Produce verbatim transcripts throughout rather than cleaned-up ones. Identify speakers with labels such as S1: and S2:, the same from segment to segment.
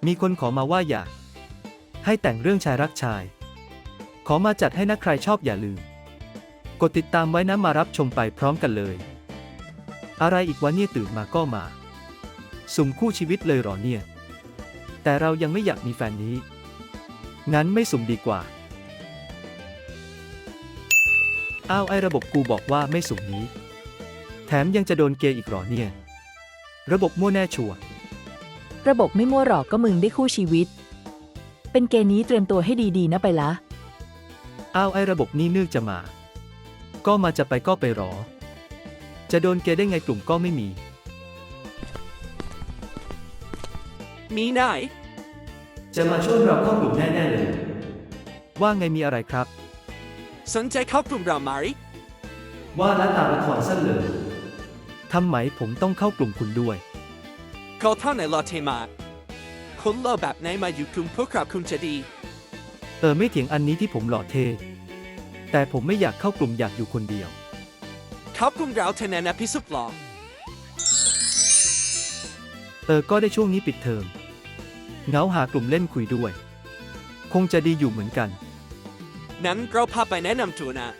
S1: มีคนขอมาว่าอยากให้แต่งเรื่องชายรักชายขอมาจัดให้นะใครชอบอย่าลืมกดติดตามไว้นะมารับชมไปพร้อมกันเลยอะไรอีกวะเนี่ยตื่นมาก็มาสุ่มคู่ชีวิตเลยหรอเนี่ยแต่เรายังไม่อยากมีแฟนนี้งั้นไม่สุ่มดีกว่าอ้าวไอระบบกูบอกว่าไม่สุ่มนี้แถมยังจะโดนเกย์อีกหรอเนี่ยระบบมั่วแน่ชัวร์
S2: ระบบไม่มั่วหรอกก็มึงได้คู่ชีวิตเป็นเกย์นี้เตรียมตัวให้ดีๆนะไปละ
S1: อ้าวไอระบบนี่นึกจะมาก็มาจะไปก็ไปหรอจะโดนเกย์ได้ไงกลุ่มก็ไม่มี
S3: มีนาย
S1: จะมาช่วยเราเข้ากลุ่มแน่ๆเลยว่าไงมีอะไรครับ
S3: สนใจเข้ากลุ่มเราไหม
S1: ว่าแล้วตามละครสั้นเลยทำไมผมต้องเข้ากลุ่มคุณด้วย
S3: ก็เท่าไหนรอเทมาคนเล่าแบบไหนมาอยู่กลุ่มพวกเราคุณจะดี
S1: เออไม่เถียงอันนี้ที่ผมหล่อเท่แต่ผมไม่อยากเข้ากลุ่มอยากอยู่คนเดียว
S3: เข้ากลุ่มเราเทนนะพิสุทธิ์หรอ
S1: เออก็ได้ช่วงนี้ปิดเทอมเหงาหากลุ่มเล่นคุยด้วยคงจะดีอยู่เหมือนกัน
S3: นั้นเราพาไปแนะนำตัวนะ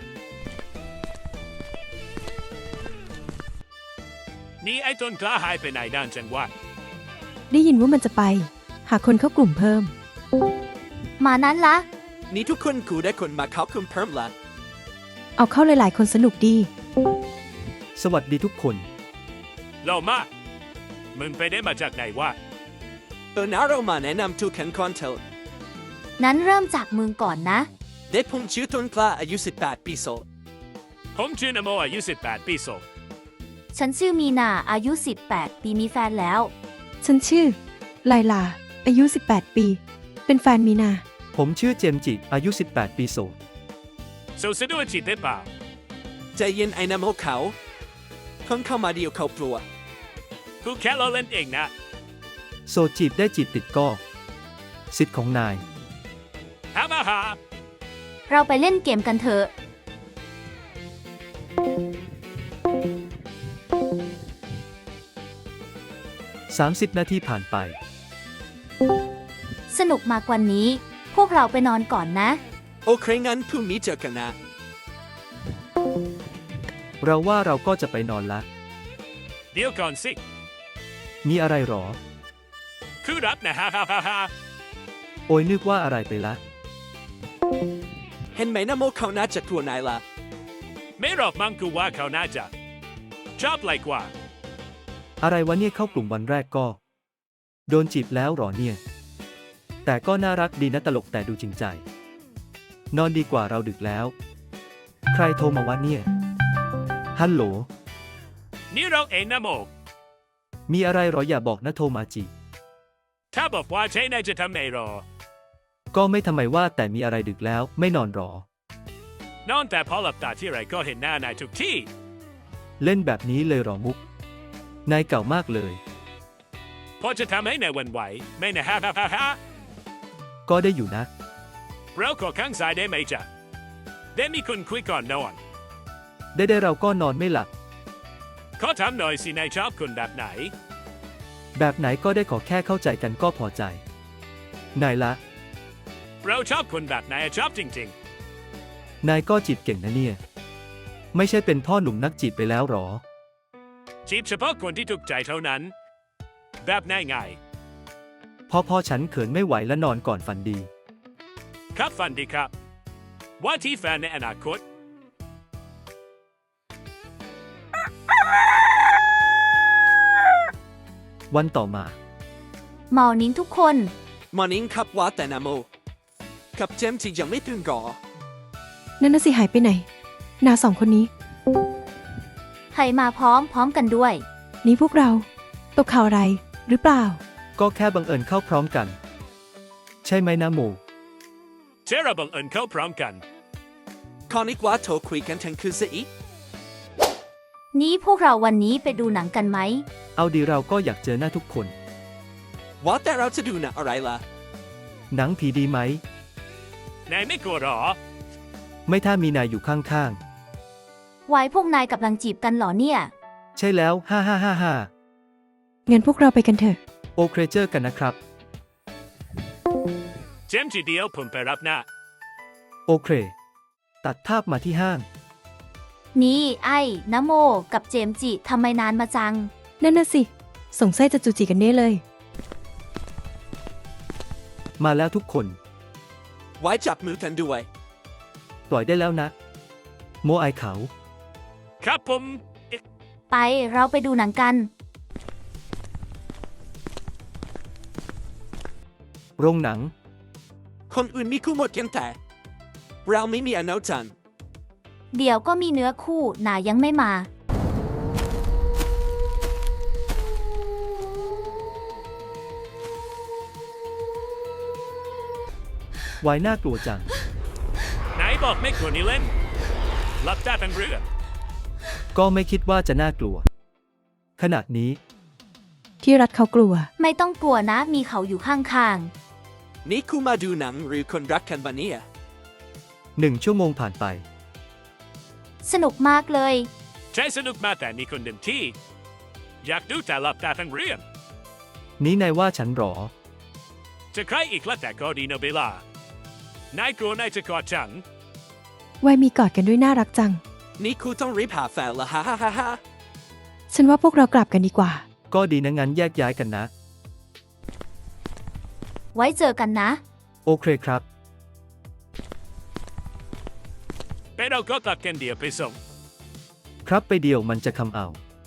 S4: นี่ไอ้ต้นกล้าหายไปไหนด้านจังหวัด
S5: ได้ยินว่ามันจะไปหาคนเข้ากลุ่มเพิ่ม
S6: มานั้นละ
S3: นี่ทุกคนกูได้คนมาเข้ากลุ่มเพิ่มละ
S5: เอาเข้าหลายๆคนสนุกดี
S1: สวัสดีทุกคน
S4: เรามามึงไปได้มาจากไหนวะ
S3: เออนะเรามาแนะนำตัวกันก่อนเถอะ
S6: นั้นเริ่มจากมึงก่อนนะ
S3: เด็กผมชื่อต้นกล้าอายุสิบแปดปีโสด
S4: ผมชื่อนโมอายุสิบแปดปีโสด
S6: ฉันชื่อมีนาอายุสิบแปดปีมีแฟนแล้ว
S5: ฉันชื่อไลลาอายุสิบแปดปีเป็นแฟนมีนา
S1: ผมชื่อเจมจิอายุสิบแปดปีโสด
S4: โสดสะดวกจีบได้เปล่า
S3: ใจเย็นไอ้น้ำโมเขาเพิ่งเข้ามาเดียวเขากลัว
S4: กูแค่ล้อเล่นเองนะ
S1: โสดจีบได้จีบติดก็สิทธิ์ของนาย
S4: ฮ่าฮ่าฮ่า
S6: เราไปเล่นเกมกันเถอะ
S1: สามสิบนาทีผ่านไป
S6: สนุกมากกว่านี้พวกเราไปนอนก่อนนะ
S3: โอเคงั้นพรุ่งนี้เจอกันนะ
S1: เราว่าเราก็จะไปนอนละ
S4: เดี๋ยวก่อนสิ
S1: มีอะไรหรอ
S4: คือรับนะฮ่าฮ่าฮ่าฮ่า
S1: โอ้ยนึกว่าอะไรไปละ
S3: เห็นไหมนะโมเขาน่าจะกลัวนายละ
S4: ไม่หรอกมั้งกูว่าเขาน่าจะชอบไรกว่า
S1: อะไรวะเนี่ยเข้ากลุ่มวันแรกก็โดนจีบแล้วหรอเนี่ยแต่ก็น่ารักดีนะตลกแต่ดูจริงใจนอนดีกว่าเราดึกแล้วใครโทรมาวะเนี่ยฮัลโหล
S4: นี่เราเองนะโม
S1: มีอะไรหรออย่าบอกนะโทรมาจีบ
S4: ถ้าบอกว่าใช่นายจะทำไงหรอ
S1: ก็ไม่ทำไมว่าแต่มีอะไรดึกแล้วไม่นอนหร
S4: อนอนแต่พอหลับตาที่ไรก็เห็นหน้านายทุกที่
S1: เล่นแบบนี้เลยหรอมุกนายเก่ามากเลย
S4: พอจะทำให้นายวันไหวไม่นะฮ่าฮ่าฮ่าฮ่า
S1: ก็ได้อยู่นะ
S4: เราขอข้างซ้ายได้ไหมจ๊ะได้มีคนคุยก่อนนอน
S1: ได้ได้เราก็นอนไม่หลับ
S4: ขอถามหน่อยสินายชอบคนแบบไหน
S1: แบบไหนก็ได้ขอแค่เข้าใจกันก็พอใจนายละ
S4: เราชอบคนแบบไหนชอบจริง
S1: ๆนายก็จีบเก่งนะเนี่ยไม่ใช่เป็นพ่อหนุ่มนักจีบไปแล้วหรอ
S4: จีบเฉพาะคนที่ถูกใจเท่านั้นแบบง่ายง่าย
S1: พอพอฉันเขินไม่ไหวและนอนก่อนฝันดี
S4: ครับฝันดีครับว่าที่แฟนในอนาคต
S1: วันต่อมา
S6: มอร์นิ่งทุกคน
S3: มอร์นิ่งครับว่าแต่นะโมกับเจมส์ที่ยังไม่ตื่นก่อ
S5: นั่นน่ะสิหายไปไหนนาสองคนนี้
S6: ใครมาพร้อมพร้อมกันด้วย
S5: นี่พวกเราตกข่าวอะไรหรือเปล่า
S1: ก็แค่บังเอิญเข้าพร้อมกันใช่ไหมนะโม
S4: เชื่อเราบังเอิญเข้าพร้อมกัน
S3: คอนิกว่าโทรคุยกันทั้งคืนซะอีก
S6: นี้พวกเราวันนี้ไปดูหนังกันไหม
S1: เอาดีเราก็อยากเจอหน้าทุกคน
S3: ว่าแต่เราจะดูหนังอะไรล่ะ
S1: หนังผีดีไหม
S4: นายไม่กลัวหรอ
S1: ไม่ถ้ามีนายอยู่ข้าง
S6: ไว้พวกนายกำลังจีบกันหรอเนี่ย
S1: ใช่แล้วฮ่าฮ่าฮ่าฮ่า
S5: งั้นพวกเราไปกันเถอะ
S1: โอเคเจอกันนะครับ
S4: เจมส์ทีเดียวผมไปรับนะ
S1: โอเค ตัดภาพมาที่ห้าง
S6: นี่ไอ้นะโมกับเจมส์จิทำไมนานมาจัง
S5: นั่นน่ะสิ สงสัยจะจูจีกันแน่เลย
S1: มาแล้วทุกคน
S3: ไว้จับมือกันด้วย
S1: ปล่อยได้แล้วนะ โมไอเขา
S4: ครับผม
S6: ไปเราไปดูหนังกัน
S1: โรงหนัง
S3: คนอื่นมีคู่หมดกันแต่ เราไม่มีอนาจัน
S6: เดี๋ยวก็มีเนื้อคู่หนายังไม่มา
S1: วายน่ากลัวจัง
S4: ไหนบอกไม่ควรนี่เล่นรับตาทั้งเรื่อง
S1: ก็ไม่คิดว่าจะน่ากลัว ขนาดนี้
S5: ที่รัฐเขากลัว
S6: ไม่ต้องกลัวนะ มีเขาอยู่ข้าง
S3: นี่คู่มาดูหนังหรือคนรักกันบะเนี่ย
S1: หนึ่งชั่วโมงผ่านไป
S6: ๆ สนุกมากเลย
S4: ใช้สนุกมากแต่มีคนหนึ่งที่ อยากดูแต่รับตาทั้งเรื่อง
S1: นี้นายว่าฉันหรอ
S4: จะใครอีกละแต่ก็ดีนะเบลานายกลัวนายจะกอดฉัน
S5: วัยมีกอดกันด้วยน่ารักจัง
S3: นี่คู่ต้องรีบหาแฟนละฮ่าฮ่าฮ่าฮ่า
S5: ฉันว่าพวกเรากลับกันดีกว่า
S1: ก็ดีนะงั้นแยกย้ายกันนะ
S6: ไว้เจอกันนะ
S1: โอเคครับ
S4: ไปเราก็กลับกันเดียวไปส่ง
S1: ครับไปเดียวมันจะคำเอา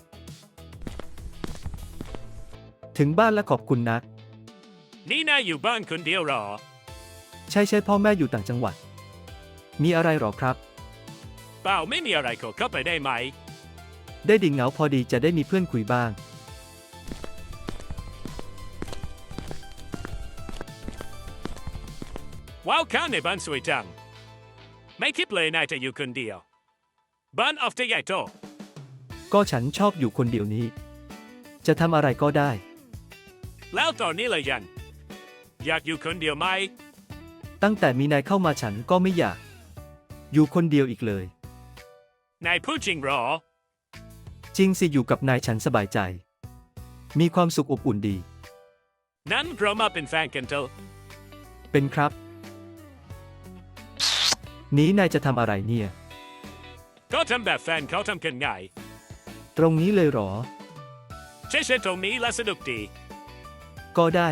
S1: ถึงบ้านแล้วขอบคุณนะ
S4: นี่นายอยู่บ้านคนเดียวหรอ
S1: ใช่ใช่พ่อแม่อยู่ต่างจังหวัด มีอะไรหรอครับ
S4: เปล่าไม่มีอะไรขอเข้าไปได้ไหม
S1: ได้ดิ่งเหงาพอดีจะได้มีเพื่อนคุยบ้าง
S4: ว้าวข้างในบ้านสวยจัง ไม่คิดเลยนายจะอยู่คนเดียว บ้านออฟจะใหญ่โต
S1: ก็ฉันชอบอยู่คนเดียวนี้ จะทำอะไรก็ได้
S4: แล้วตอนนี้เลยยัน อยากอยู่คนเดียวไหม
S1: ตั้งแต่มีนายเข้ามาฉันก็ไม่อยาก อยู่คนเดียวอีกเลย
S4: นายพูดจริงหรอ
S1: จริงสิอยู่กับนายฉันสบายใจ มีความสุขอบอุ่นดี
S4: นั้นเรามาเป็นแฟนกันเถอะ
S1: เป็นครับ นี้นายจะทำอะไรเนี่ย
S4: ก็ทำแบบแฟนเขาทำกันง่าย
S1: ตรงนี้เลยเหรอ
S4: ใช่ใช่ตรงนี้และสนุกดี
S1: ก็ได้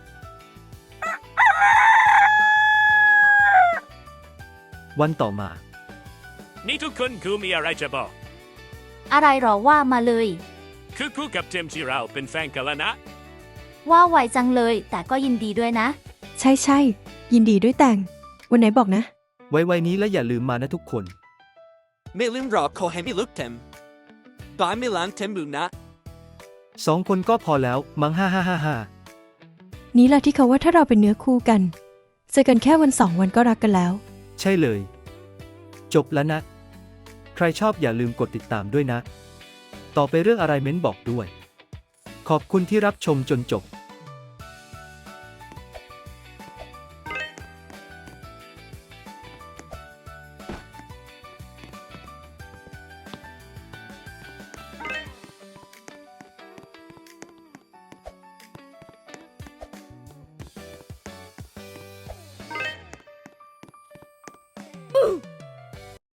S1: วันต่อมา
S4: นี่ทุกคนคือมีอะไรจะบอก
S6: อะไรหรอว่ามาเลย
S4: คือคู่กับเจมส์ที่เราเป็นแฟนกันแล้วนะ
S6: ว่าไวจังเลย แต่ก็ยินดีด้วยนะ
S5: ใช่ใช่ยินดีด้วยแต่ง วันไหนบอกนะ
S1: ไว้ๆนี้และอย่าลืมมานะทุกคน
S3: ไม่ลืมรอขอให้มีลูกเต็มบายไม่ล้างเต็มบุนะ
S1: สองคนก็พอแล้ว มั้งฮ่าฮ่าฮ่าฮ่า
S5: นี้แหละที่เขาว่าถ้าเราเป็นเนื้อคู่กัน เจอกันแค่วันสองวันก็รักกันแล้ว
S1: ใช่เลย จบแล้วนะ ใครชอบอย่าลืมกดติดตามด้วยนะ ต่อไปเรื่องอะไรเม้นบอกด้วย ขอบคุณที่รับชมจนจบ